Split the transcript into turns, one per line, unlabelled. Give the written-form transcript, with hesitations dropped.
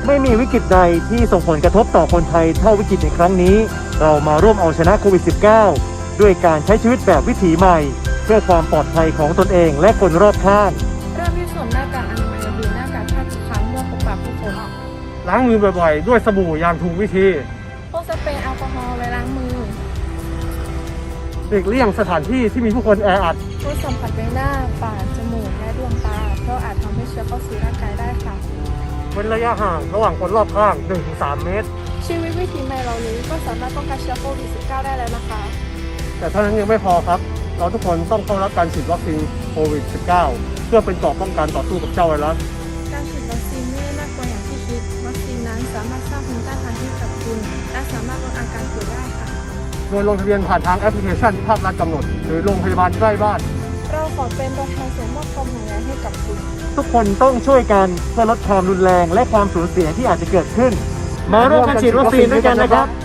ไม่มีวิกฤตใดที่ส่งผลกระทบต่อคนไทยเท่าวิกฤตในครั้งนี้เรามาร่วมเอาชนะโควิด -19 ด้วยการใช้ชีวิตแบบวิถีใหม่เพื่อความปลอดภัยของตนเองและคนรอบข้าง
เริ่มที่สวมหน้ากากอนามัยหรือหน้ากากผ้าทุกครั้งเมื่อพบปะผู้คน
ล้างมือบ่อยๆ ด้วยสบู่อย่างถูกวิธี
พกสเปรย์แอลกอฮอล์ไว้ล้างมือ
หลีกเลี่ยงสถานที่ที่มีผู้คนแออัด
งดสัมผัสใบหน้าปากจมูกและดวงตาเพราะอาจทำให้เชื้อเข้าสู่ร่างกายได้ค่ะ
เว้นระยะห่างระหว่างคนรอบข้าง 1-3 เมตร
ชีวิตวิถีใหม่เหล่านี้ก็สามารถป้องกันเชื้อโควิด -19 ได้แล้วนะคะ
แต่เท่านั้นยังไม่พอครับเราทุกคนต้องเข้ารับการฉีดวัคซีนโควิด -19 เพื่อเป็นเกราะป้องกันต่อสู้กับเจ้าไวรัส
การฉีดวัคซีนไม่ได้น่ากลัวอย่างที่คิดวัคซีนนั้นสามารถสร้างภูมิต้านทานให้กับคุณและสามารถลดอาการป่วยได้ค่ะ
โดยลงทะเบียนผ่านทางแอปพลิเคชันที่ภาครัฐกำหนดหรือโรงพยาบาลใกล้บ้าน
เราขอเป็นตัวแทนส่งมอบความห่วงใยให้กับคุณ
ทุกคนต้องช่วยกันเพื่อลดความรุนแรงและความสูญเสียที่อาจจะเกิดขึ้นมาร่วมกันฉีดวัคซีนด้วยกันนะครับ